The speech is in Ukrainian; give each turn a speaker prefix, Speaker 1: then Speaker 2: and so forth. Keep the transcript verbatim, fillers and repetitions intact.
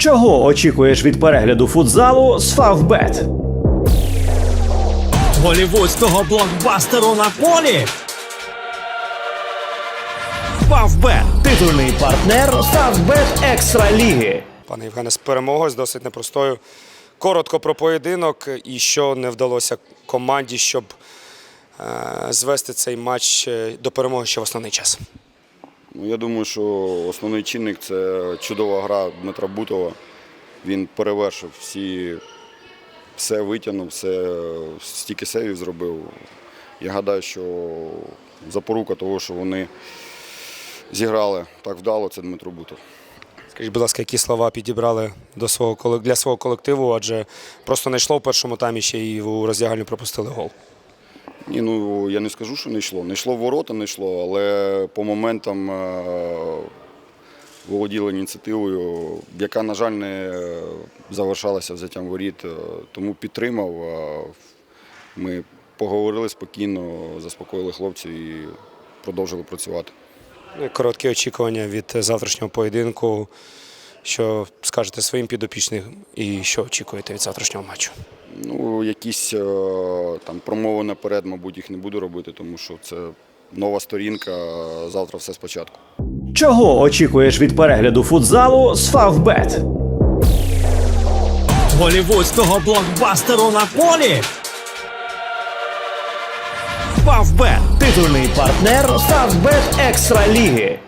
Speaker 1: Чого очікуєш від перегляду футзалу з Фавбет?
Speaker 2: Голівудського блокбастеру на полі. Фавбет.
Speaker 1: Титульний партнер Фавбет Екстра Ліги.
Speaker 3: Пане Євгене, з перемогою, з досить непростою. Коротко про поєдинок і що не вдалося команді, щоб е, звести цей матч до перемоги ще в основний час.
Speaker 4: Ну, я думаю, що основний чинник – це чудова гра Дмитра Бутова. Він перевершив всі, все витягнув, все, стільки сейвів зробив. Я гадаю, що запорука того, що вони зіграли так вдало, це Дмитро Бутов.
Speaker 3: Скажіть, будь ласка, які слова підібрали до свого, для свого колективу, адже просто не йшло в першому таймі, ще й у роздягальню пропустили гол.
Speaker 4: Ні, ну я не скажу, що не йшло. Не йшло в ворота, не йшло, але по моментам е володіли ініціативою, яка, на жаль, не завершалася взяттям воріт, тому підтримав. Ми поговорили спокійно, заспокоїли хлопців і продовжили працювати.
Speaker 3: Короткі очікування від завтрашнього поєдинку. Що скажете своїм підопічним і що очікуєте від завтрашнього матчу?
Speaker 4: Ну, якісь там промови наперед, мабуть, їх не буду робити, тому що це нова сторінка, завтра все спочатку.
Speaker 1: Чого очікуєш від перегляду футзалу з Фавбет?
Speaker 2: Голівудського блокбастеру на полі. Фавбет.
Speaker 1: Титульний партнер Фавбет Екстра Ліги.